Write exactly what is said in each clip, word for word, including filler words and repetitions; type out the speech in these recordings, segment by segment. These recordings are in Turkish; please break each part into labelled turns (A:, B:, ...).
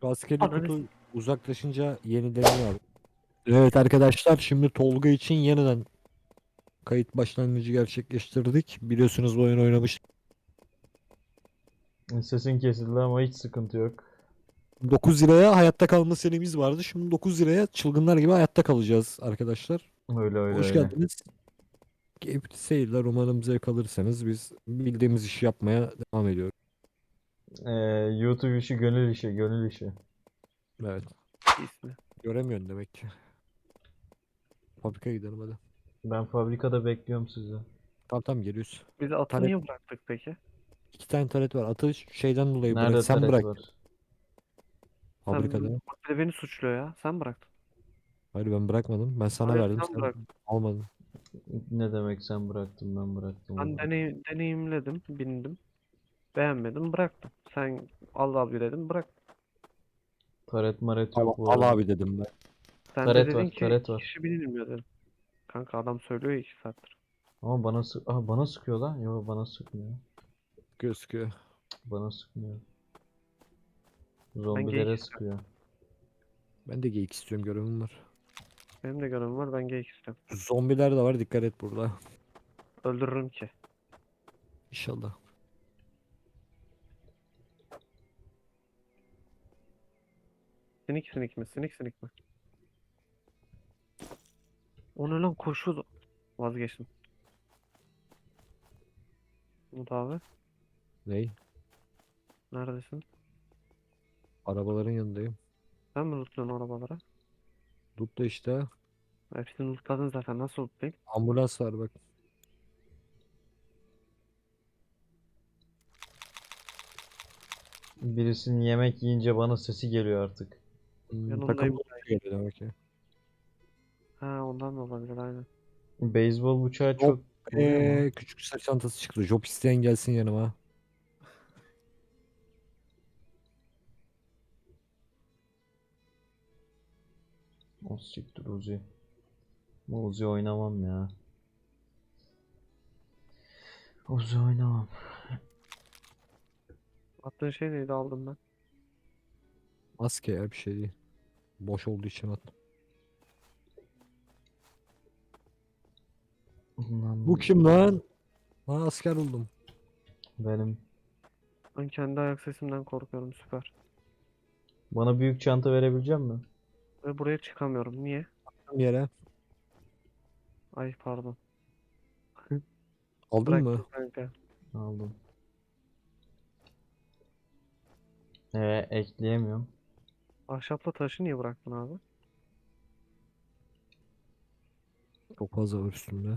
A: Şu askeri
B: Ananı
A: kutu
B: s-
A: uzaklaşınca yenileniyor abi. Evet arkadaşlar, şimdi Tolga için yeniden kayıt başlangıcı gerçekleştirdik. Biliyorsunuz bu oyun oynamış.
C: Sesin kesildi ama hiç sıkıntı yok.
A: dokuz liraya hayatta kalma serimiz vardı. Şimdi dokuz liraya çılgınlar gibi hayatta kalacağız arkadaşlar.
C: Öyle öyle
A: Hoş
C: öyle.
A: geldiniz. Keyifli seyirler. Umarım zevk alırsanız biz bildiğimiz işi yapmaya devam ediyoruz.
C: Ee, YouTube işi gönül işi, gönül işi.
A: Evet.
B: ismi.
A: Göremiyorsun demek ki. Fabrikaya gidelim hadi.
C: Ben fabrikada bekliyorum sizi.
A: Tamam tamam, geliyoruz.
B: Biz atı
A: Taret,
B: niye bıraktık peki?
A: iki tane taret var. Atı şeyden dolayı bırak.
C: Nerede
A: Sen
C: taret
A: bırak
C: var?
B: Sen
A: fabrikada.
B: bak bir de beni suçluyor ya. Sen bıraktın.
A: Hayır, ben bırakmadım. Ben sana
B: Hayır
A: verdim.
B: sen
A: Sen
B: bıraktın.
A: almadın.
C: Ne demek sen bıraktın ben bıraktım
B: Ben
C: oğlum.
B: deney deneyimledim, bindim. Beğenmedim, bıraktım. Sen al abi dedim, bırak.
C: Taret maret
A: Al,
C: yok bu
A: al
C: arada.
A: abi dedim ben.
B: Sen de
C: Taret
B: dedin
C: var,
B: ki
C: taret
B: iki
C: var.
B: kişi binilmiyor dedim. Kanka adam söylüyor ya iki saattir.
C: Ama bana sık Aha, bana sıkıyor lan. Yok bana sıkmıyor.
A: Gözüküyor.
C: Bana sıkmıyor.
B: Ben geyik
C: Zombilere
B: istiyorum.
C: sıkıyor.
A: Ben de geyik istiyorum, görevim var.
B: Benim de görevim var, ben geyik istiyorum.
A: Zombiler de var, dikkat et burada.
B: Öldürürüm ki.
A: İnşallah.
B: Sinik sinik mi? Sinik sinik mi? O ne lan koşuyordu. Vazgeçtim. Umut abi
A: Ney?
B: neredesin?
A: Arabaların yanındayım.
B: Sen mi lootluyorsun arabalara?
A: Tut da işte.
B: Hepsini lootladın zaten, nasıl lootlayayım?
A: Ambulans var bak.
C: Birisinin yemek yiyince bana sesi geliyor artık.
A: Hmm, takım
B: Yanındayım.
A: geliyor demek ki.
B: Ha ondan da olabilir aynen.
C: Beyzbol bıçağı
A: Job,
C: çok vuruyor mu?
A: ee, küçük sırt çantası çıktı. Job isteyen gelsin yanıma.
C: O siktir Uzi. Uzi oynamam ya. Uzi oynamam.
B: Attığın şey neydi, aldım ben.
A: Maske ya, bir şey değil. Boş olduğu için at. Bu
C: Lan
A: kim lan? Ha, asker oldum.
C: benim.
B: Ben kendi ayak sesimden korkuyorum, süper.
C: Bana büyük çanta verebilecek misin?
B: Ve buraya çıkamıyorum. Niye?
A: Tam yere.
B: Ay pardon.
A: Aldın
B: Bıraktım
A: mı?
B: kanka.
C: Aldım. Ee, ekleyemiyorum.
B: Ahşapla taşı niye bıraktın abi?
A: Çok fazla var üstümde.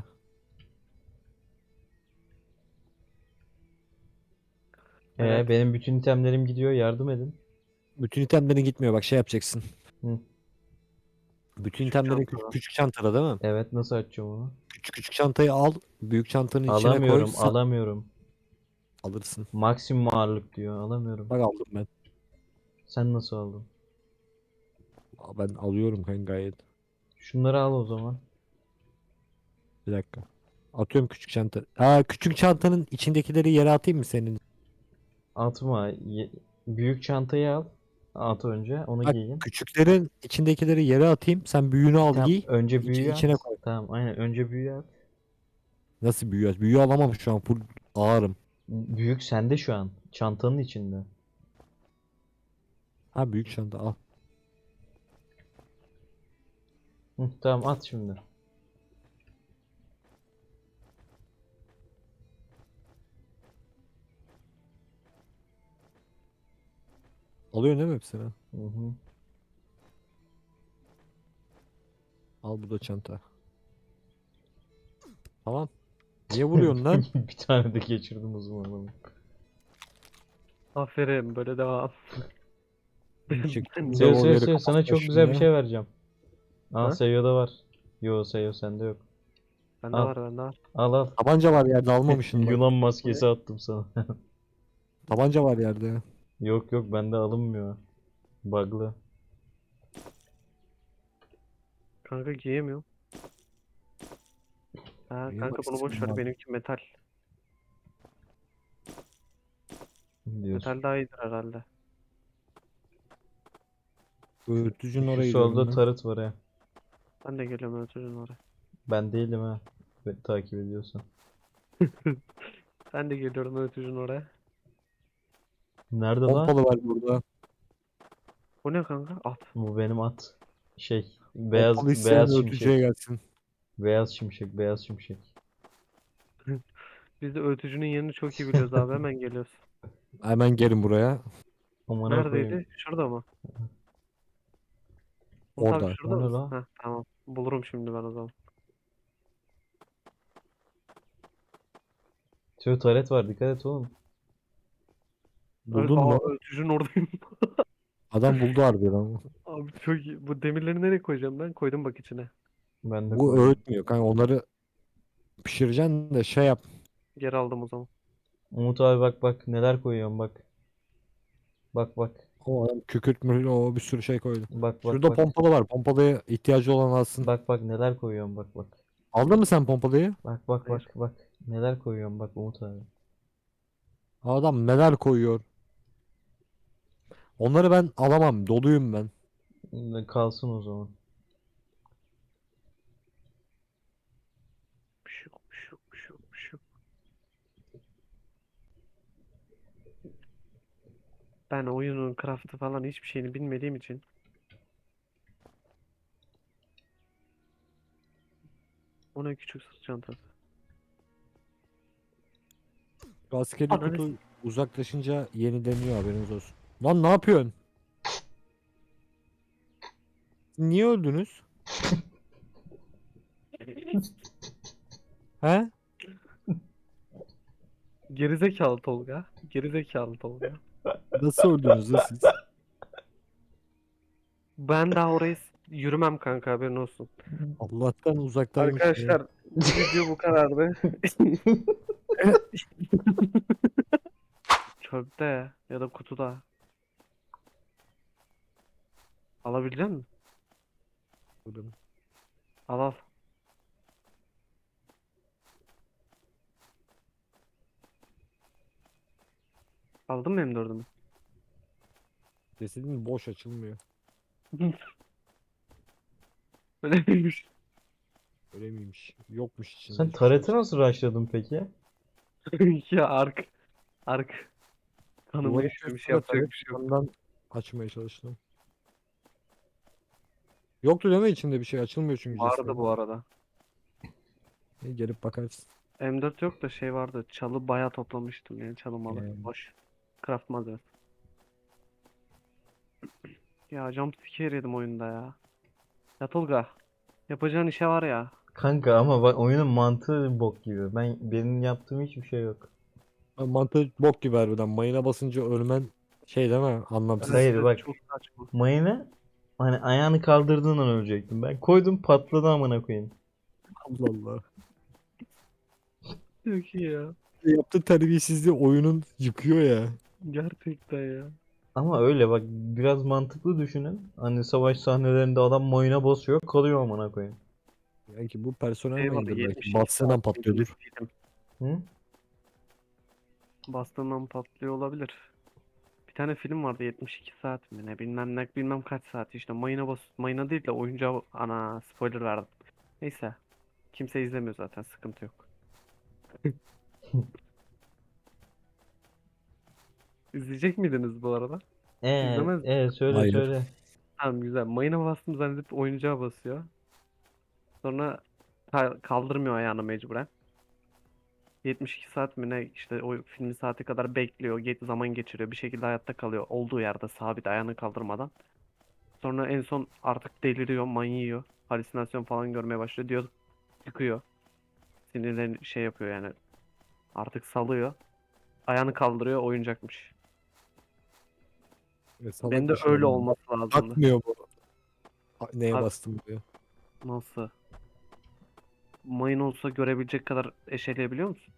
C: Ee,
B: Evet.
C: benim bütün itemlerim gidiyor. Yardım edin.
A: Bütün itemlerin gitmiyor, bak şey yapacaksın.
C: Hı.
A: Bütün
B: Küçük
A: itemlerin küçük,
B: çantada.
A: küçük çantada değil mi?
C: Evet nasıl açacağım onu?
A: Küçük küçük çantayı al. Büyük çantanın içine koy.
C: Alamıyorum,
A: Sen
C: alamıyorum.
A: alırsın.
C: Maksimum ağırlık diyor. Alamıyorum.
A: Bak aldım ben.
C: Sen nasıl aldın?
A: Aa, ben alıyorum kanka gayet.
C: Şunları al o zaman.
A: Bir dakika. Atıyorum küçük çanta. Aa, küçük çantanın içindekileri yere atayım mı senin?
C: Atma. Ye- büyük çantayı al. At önce. Onu
A: Bak,
C: giyin.
A: küçüklerin içindekileri yere atayım. Sen büyüğünü al
C: Tamam.
A: giy.
C: Önce
A: İçi,
C: büyüğü
A: içine
C: at.
A: koy.
C: Tamam. Aynen. Önce büyüğü at.
A: Nasıl büyüğü? Büyüğü alamam şu an. Full ağırım.
C: Büyük sende şu an. Çantanın içinde.
A: Ha, büyük çanta al.
C: Hı, tamam at şimdi.
A: Alıyorsun değil mi hepsini?
C: Hı hı.
A: Al, bu da çanta. Tamam. Niye vuruyorsun lan?
C: Bir tane de geçirdim uzman adamı.
B: Aferin, böyle devam.
A: Çektiğimiz
C: Seyo
A: zaman
C: Seyo
A: yeri
C: Seyo sana
A: kapatma
C: çok güzel bir
A: şimdi.
C: şey vereceğim. Aa
B: Ha?
C: Seyo'da var. Yo Seyo sende yok.
B: Bende
C: Al.
B: var, bende var.
C: Al al.
A: Tabanca var yerde, almamışsın bak.
C: Yunan
B: Bu ne?
C: maskesi attım sana.
A: Tabanca var yerde.
C: Yok yok bende alınmıyor. Bug'lı.
B: Kanka giyemiyorum. Ha
A: Niye
B: kanka bunu boş
A: maskesini
B: ver,
A: var?
B: benimki metal.
C: Diyorsun.
B: Metal daha iyidir herhalde.
A: Öğütücünün
C: Şu
A: oraya
C: solda
A: gidiyorum ben.
C: tarıt var ya.
B: Ben de geliyorum ötürün oraya.
C: Ben değilim ha. Beni takip ediyorsan.
B: Ben de geliyorum ötürün oraya.
C: Nerede lan?
A: Pompalı var burada.
B: Bu ne kanka? At.
C: Bu benim at. Şey,
A: Pompalı
C: beyaz
A: isteyen
C: beyaz
A: öğütücüye
C: şimşek.
A: gelsin.
C: Beyaz şimşek, beyaz şimşek.
B: Biz de ötücünün yerini çok iyi biliyoruz abi. Hemen geliyoruz.
A: Hemen gelin buraya.
C: Amına koyayım.
B: Neredeydi? Şurada mı? Umut abi
A: Orada.
B: şurada
C: O ne
B: mısın?
C: lan?
B: Heh, tamam. Bulurum şimdi ben o zaman.
C: Şöyle taret var, dikkat et oğlum.
B: Ö-
A: Buldun
B: Aa
A: mu?
B: ötücünün oradayım.
A: Adam buldu harbiden ama.
B: Abi çok iyi. Bu demirleri nereye koyacağım ben? Koydum bak içine.
C: Ben de
A: Bu
C: koydum.
A: öğütmüyor kanka, onları pişireceksin de şey yap.
B: Geri aldım o zaman.
C: Umut abi bak bak neler koyuyorum bak. Bak bak.
A: O adam kükürt mürül o bir sürü şey koydu.
C: Bak bak
A: Şurada
C: bak.
A: pompalı var. Pompalıya ihtiyacı olan alsın.
C: Bak bak neler koyuyorum bak bak.
A: Aldın mı sen pompalıyı?
C: Bak bak
B: Hayır.
C: bak bak. Neler koyuyorum bak Umut abi.
A: Adam neler koyuyor. Onları ben alamam. Doluyum ben.
C: Kalsın o zaman.
B: Şu, şu, şu, şu. Ben oyunun craft'ı falan hiçbir şeyini bilmediğim için. Ona küçük sırt çantası.
A: Askeri
B: Ananı
A: kutu uzaklaşınca yenileniyor, haberiniz olsun. Lan ne yapıyorsun? Niye öldünüz? He?
B: Gerizekalı Tolga. Gerizekalı Tolga.
A: Nasıl öldünüz lan siz?
B: Ben daha oraya s- yürümem kanka haberin olsun.
A: Allah'tan uzaktaymış ya.
B: Arkadaşlar bu video bu kadardı. Çöpte ya da kutuda. Alabilecek misin? Al al. Aldın mı M dördümü?
A: Cesedin boş, açılmıyor.
B: Öyle miymiş?
A: Öyle miymiş? Yokmuş içinde.
C: Sen
A: hiçbir şey.
C: tareti nasıl rushladın peki?
B: Ya ark. Ark. Kanımı
A: Duvarın
B: işlemiş
A: köşesinde
B: yapacak
A: taret
B: bir şey yok.
A: yandan açmaya çalıştım. Yoktu değil mi içinde bir şey? Açılmıyor çünkü
B: Vardı
A: cesedin.
B: bu arada.
A: İyi, gelip bakarsın.
B: M dört yok da şey vardı. Çalı bayağı toplamıştım yani çalı malı.
A: Ee.
B: Boş. Craft malzemesi. Ya jumpscare yedim oyunda ya. Ya Tolga. Yapacağın işe var ya.
C: Kanka ama bak oyunun mantığı bok gibi. Ben benim yaptığım hiçbir şey yok.
A: Ha, mantığı bok gibi harbiden. Mayına basınca ölmen şey değil mi? Anlamsız.
C: Hayır,
B: Evet,
C: bak.
B: çok saçma.
C: Mayına hani ayağını kaldırdığın an ölecektim. Ben koydum patladı amına koyayım.
A: Allah Allah.
B: Çok iyi ya.
A: Yaptığı terbiyesizliği oyunun yıkıyor ya.
B: Gerçekten ya.
C: Ama öyle bak biraz mantıklı düşünün. Hani savaş sahnelerinde adam mayına basıyor kalıyor amına koyayım.
A: Belki bu personel
B: Şey var,
A: mayındır belki.
B: yetmiş iki
A: Batsından
B: saat
A: patlıyordur.
B: bekledim.
C: Hı?
B: Bastığından patlıyor olabilir. Bir tane film vardı yetmiş iki saat mi ne bilmem ne bilmem kaç saat işte mayına bas mayına değil de oyuncağı ana spoiler verdim. Neyse. Kimse izlemiyor zaten sıkıntı yok. İzleyecek miydiniz bu arada?
C: Ee,
B: İzlemez.
C: ee söyle
A: Hayır.
C: söyle.
B: Tamam güzel. Mayına bastım zannedip oyuncağa basıyor. Sonra ka- kaldırmıyor ayağını mecburen. yetmiş iki saat mi ne işte o filmin saati kadar bekliyor. Ge- zaman geçiriyor. Bir şekilde hayatta kalıyor. Olduğu yerde sabit ayağını kaldırmadan. Sonra en son artık deliriyor, manyiyor. Halüsinasyon falan görmeye başlıyor. Diyor çıkıyor. Sinirlerini şey yapıyor yani. Artık salıyor. Ayağını kaldırıyor oyuncakmış.
A: E, salak
B: Benim de
A: bir şey
B: öyle
A: yani.
B: olması lazımdı.
A: Bakmıyor bu. A- Neye
B: Abi-
A: bastım diyor.
B: Nasıl? Mayın olsa görebilecek kadar eşeleyebiliyor musun?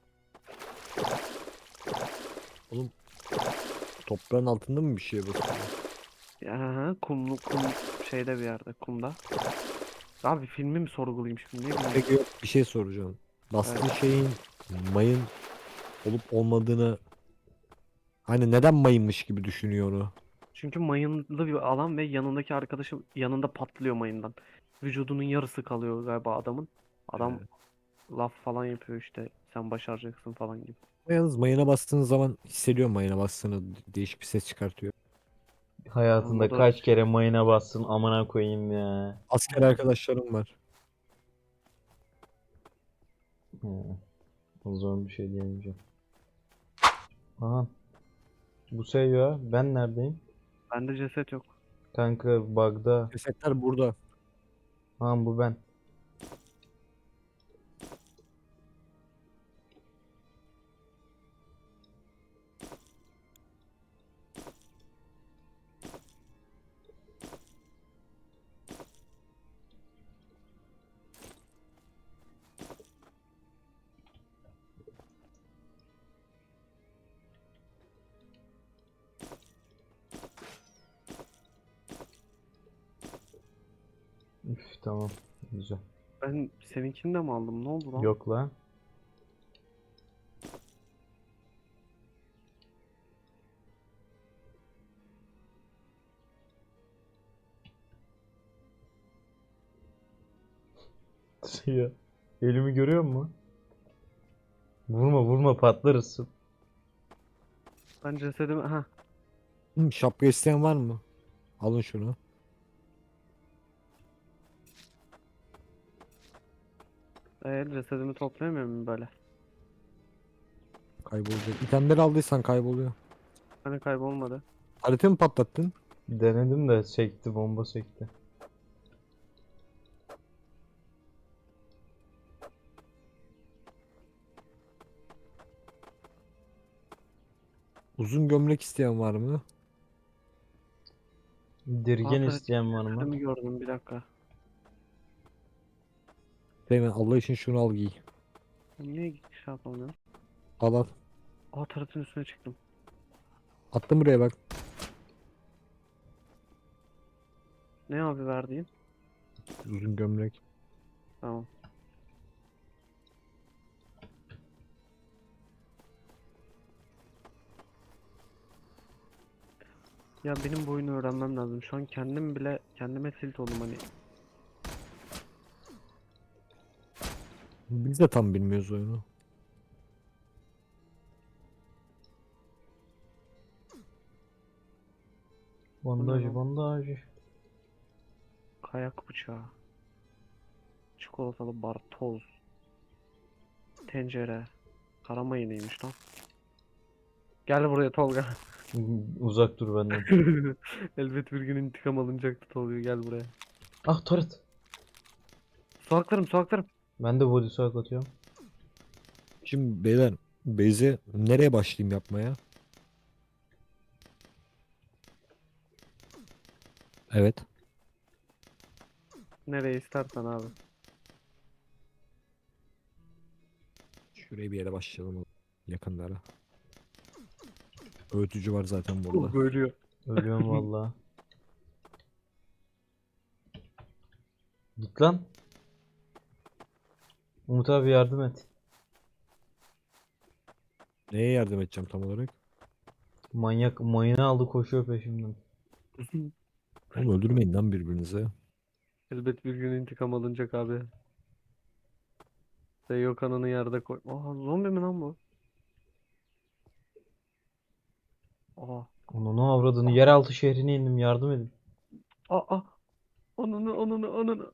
A: Toprağın altında mı bir şeye basıyor?
B: Ya hı hı, kumlu kum şeyde bir yerde kumda. Abi filmi mi sorgulayayım şimdi ne bileyim.
A: Peki yok, bir şey soracağım. Bastığı şeyin mayın olup olmadığını, hani neden mayınmış gibi düşünüyor onu?
B: Çünkü mayınlı bir alan ve yanındaki arkadaşı yanında patlıyor mayından. Vücudunun yarısı kalıyor galiba adamın. Adam
A: Evet.
B: laf falan yapıyor işte. Sen başaracaksın falan gibi.
A: Yalnız mayına bastığınız zaman hissediyorum mayına bastığını, değişik bir ses çıkartıyor.
B: Tamam, o
C: Hayatında
B: da
C: kaç kere mayına bassın amına koyayım ya.
A: Asker arkadaşlarım var.
C: Hı, o zaman bir şey diyemeyeceğim. Aha, bu seviyor. Ben neredeyim?
B: bende ceset yok.
C: Kanka bug'da.
A: Cesetler burada.
C: Ha bu ben. Üf, tamam. Güzel.
B: Ben seninkini de mi aldım? Ne oldu lan?
C: Yok lan. Ya, elimi görüyor musun? Vurma vurma patlarız.
B: Ben cesedimi... Ha,
A: Hı, şapka isteyen var mı? Alın şunu.
B: e, cesedimi toplayamıyor muyum böyle?
A: Kaybolacak. İtemleri aldıysan kayboluyor.
B: Hani kaybolmadı.
A: Haritayı mı patlattın?
C: Denedim de sekti bomba sekti.
A: Uzun gömlek isteyen var mı?
C: Dirgen
B: Aa,
C: isteyen var mı?
B: cesedimi gördüm, bir dakika.
A: Hemen Allah için şunu al giy.
B: Ben niye şey yapamıyorum?
A: Al al.
B: Aa, taratın üstüne çıktım.
A: Attım buraya bak.
B: Ne abi verdiğin?
A: Uzun gömlek.
B: Tamam. Ya benim bu oyunu öğrenmem lazım. Şu an kendim bile kendime tilt oldum hani.
A: Biz de tam bilmiyoruz oyunu.
B: Bu ne
C: Bandaj
B: lan?
C: bandaj.
B: Kayak bıçağı. Çikolatalı bar, toz, tencere. Kara mayınıymış lan. Gel buraya Tolga.
C: Uzak dur benden.
B: Elbet bir gün intikam alınacaktı Tolga, gel buraya.
C: Ah turret.
B: Su haklarım.
C: Ben de body swag atıyorum.
A: Şimdi beyler Beyze nereye başlayayım yapmaya? Evet.
B: Nereye istersen abi.
A: Şuraya bir yere başlayalım. Yakınlara. Öğütücü var zaten burada.
B: Tolga ölüyor.
C: Ölüyorum valla. Git lan. Umut abi yardım et.
A: Neye yardım edeceğim tam olarak?
C: Manyak mayını aldı koşuyor peşimden.
A: Oğlum öldürmeyin lan birbirinize.
B: Elbet bir gün intikam alınacak abi. Seyo kanını yerde koy. Aa, zombi mi lan bu? Aa.
C: Onu ne avradını yeraltı şehrine indim yardım edin.
B: Aa. Onunu onunu onunu.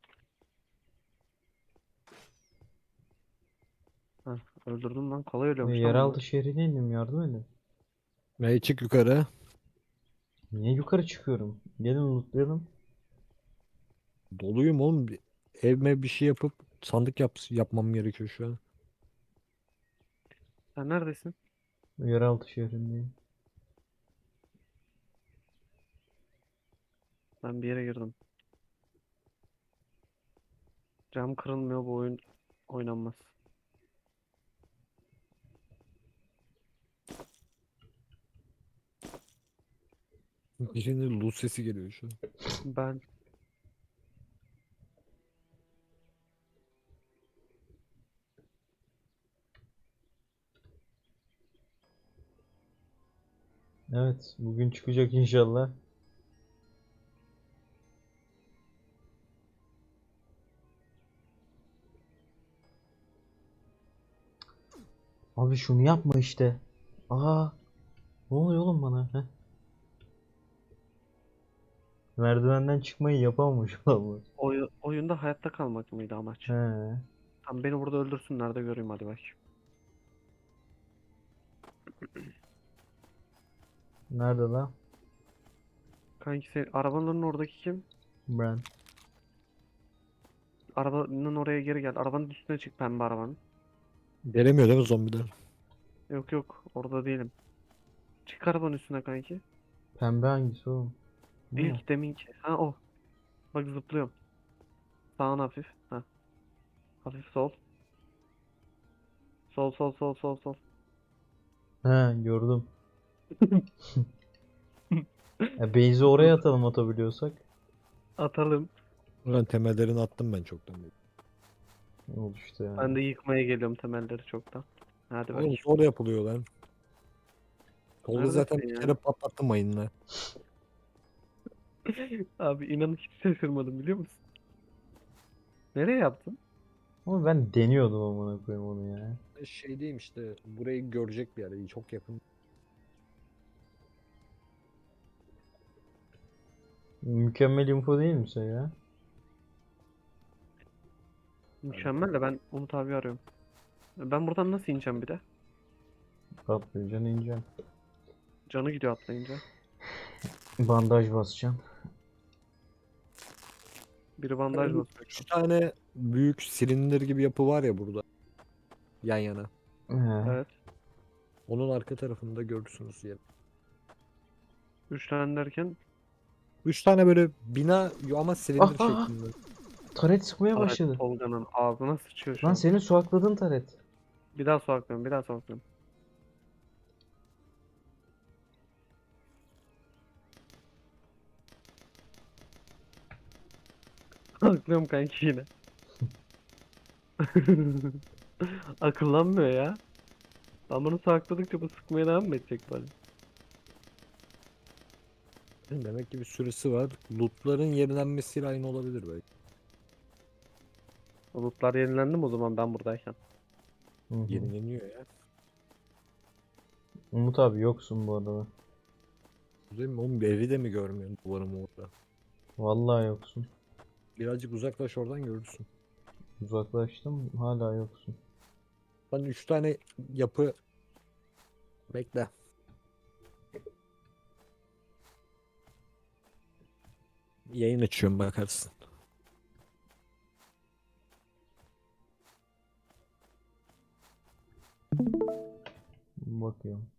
B: Heh, öldürdüm lan. Kolay
C: E,
B: ölüyormuş lan
C: yeraltı
B: bunlar.
C: şehrine indim yardım edin.
A: Ve çık yukarı.
C: Niye yukarı çıkıyorum? Gelin lootlayalım.
A: Doluyum oğlum. Bir- Evime bir şey yapıp sandık yap yapmam gerekiyor şu an.
B: Sen neredesin?
C: Yeraltı şehrindeyim.
B: Ben bir yere girdim. Cam kırılmıyor, bu oyun oynanmaz.
A: Birinin loot sesi geliyor şu an.
B: Ben
C: Evet bugün çıkacak inşallah. Abi şunu yapma işte. Aa, ne oluyor oğlum bana? Heh. Merdivenden çıkmayı yapamamış olamaz.
B: Oy oyunda hayatta kalmak mıydı amaç?
C: He.
B: Tamam beni burada öldürsünler de göreyim hadi bak.
C: Nerede lan?
B: Kanki sen arabanın oradaki kim?
C: Ben.
B: Arabanın oraya geri gel. Arabanın üstüne çık pembe arabanın.
A: Gelemiyor değil mi zombiler?
B: Yok yok orada değilim. Çık arabanın üstüne kanki.
C: Pembe hangisi oğlum? Bu
B: Değil
C: mu?
B: ki deminki. Ha o. Bak zıplıyorum. Sağına hafif. Ha. Hafif sol. Sol sol sol sol sol.
C: He, gördüm. Ya base'i oraya atalım atabiliyorsak.
B: Atalım.
A: Ulan temellerini attım ben çoktan.
C: Ne oldu işte ya.
B: Ben de yıkmaya geliyorum temelleri çoktan. Hadi bak.
A: Oğlum zor yapılıyor lan. Tolga zaten
B: Neredesin
A: bir
B: ya?
A: kere patlattı mayınla.
B: Abi inan hiç şaşırmadım biliyor musun? Nereye yaptın?
C: Ama ben deniyordum amına koyayım onu ya.
A: Şey diyeyim işte burayı görecek bir yer. Çok yakın.
C: Mükemmel info değil mi sen ya?
B: Mükemmel de ben Umut abi arıyorum. Ben buradan nasıl ineceğim bir de?
C: Atlayacaksın ineceksin.
B: Canı gidiyor atlayınca.
C: Bandaj basacağım.
B: Biri bandaj basıyor şu
A: Üç
B: an.
A: tane büyük silindir gibi yapı var ya burada. Yan yana.
C: He.
B: Evet.
A: Onun arka tarafında görürsünüz yer.
B: Üç tane derken
A: Üç tane böyle bina ama silindir
C: Ah, ah,
A: şeklinde.
C: taret sıkmaya
B: Taret
C: başladı.
B: Tolga'nın ağzına sıçıyor şu
C: Lan
B: an.
C: senin su akladın taret.
B: Bir daha sokaklıyorum, bir daha sokaklıyorum. Aklıyorum kanki yine. Akıllanmıyor ya. Ben bunu sakladıkça bu sıkmaya devam mı edecek bana?
A: Demek ki bir süresi var. Lootların yenilenmesiyle aynı olabilir belki.
B: Bulutlar yenilendi mi o zaman ben buradayken?
C: Hı hı.
A: Yenileniyor ya.
C: Umut abi yoksun bu arada.
A: Değil mi? Oğlum bir evi de mi görmüyorsun duvarım orada?
C: Vallahi yoksun.
A: Birazcık uzaklaş oradan görürsün.
C: Uzaklaştım hala yoksun.
A: Ben üç tane yapı bekle. Yayın açıyorum bakarsın.
C: Bakıyorum.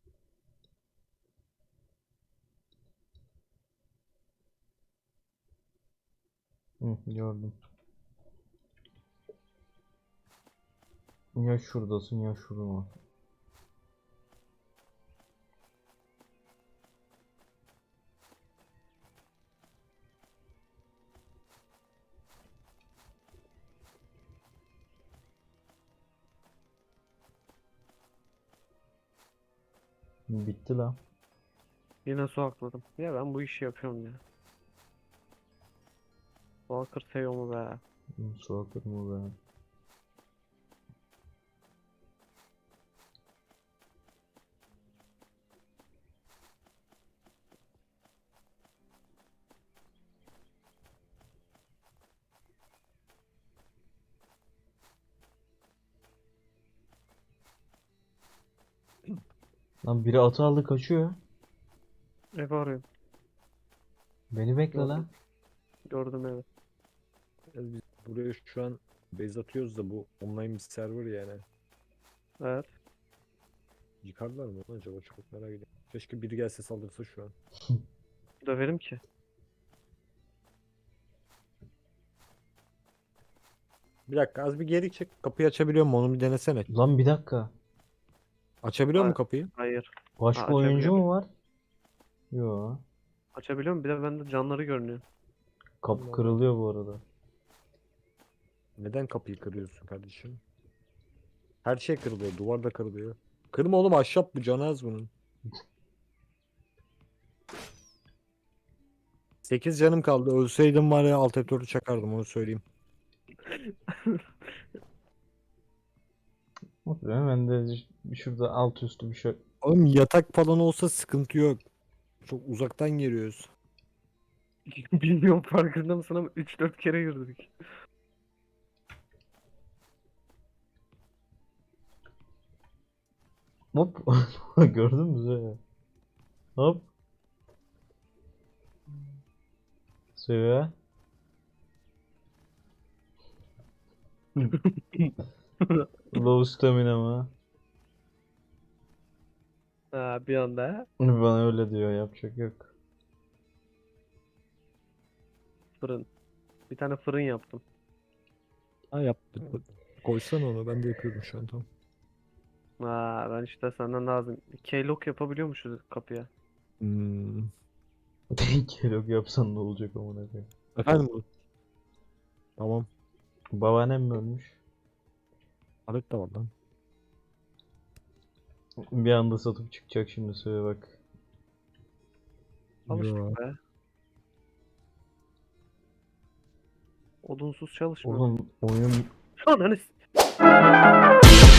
C: Hı, gördüm. Ya şuradasın ya şurada. Bitti la.
B: Yine su akladım. Ya ben bu işi yapıyorum ya. Walker seviyor mu be?
C: Hı, su akır mı be? Lan biri atı aldı kaçıyor.
B: Ev arıyorum.
C: Beni bekle
B: Gördüm.
C: lan.
B: Gördüm evi.
A: Yani biz buraya şu an base atıyoruz da bu online bir server yani.
B: Evet.
A: Yıkarlar mı lan acaba, çok merak ediyorum. Keşke biri gelse saldırsa şu an.
B: Döverim ki.
A: Bir dakika az bir geri çek, kapıyı açabiliyor mu onu bir denesene.
C: Lan bir dakika.
A: Açabiliyor mu
B: Ha-
A: kapıyı?
B: Hayır. Ha,
C: Başka oyuncu
B: açabiliyorum.
C: mu var? Yo.
B: Açabiliyor muyum? Bir de bende canları görünüyor.
C: Kapı
A: Allah.
C: kırılıyor bu arada.
A: Neden kapıyı kırıyorsun kardeşim? Her şey kırılıyor, duvar da kırılıyor. Kırma oğlum, ahşap bu, canı az bunun. sekiz canım kaldı. Ölseydim var ya alt F dördü çakardım, onu söyleyeyim.
C: Hop, hemen de şurada alt üstü bir şey.
A: Oğlum yatak falan olsa sıkıntı yok. Çok uzaktan giriyoruz.
B: Bilmiyorum farkında mısın ama üç dört kere girdik.
C: Hop. Gördün mü Zöya? Hop. Zöya. Low stamina mı?
B: Ha, bir anda
C: Bana öyle diyor, yapacak yok.
B: fırın. Bir tane fırın yaptım.
A: Ha yaptık. Koysana onu, ben de yapıyorum şu an, tamam.
B: Ha, ben işte senden lazım. Keylog yapabiliyormuşuz kapıya.
A: Hmm.
C: Kelok yapsan ne olacak amına koyayım.
A: Efendim bu. Tamam.
C: Babaannem mi ölmüş?
A: Alet de var lan.
C: Bir anda satıp çıkacak şimdi, söyle bak.
A: Yo.
B: Alıştık be. Odunsuz çalışmıyor.
C: Oğlum oyun
B: Ananı s-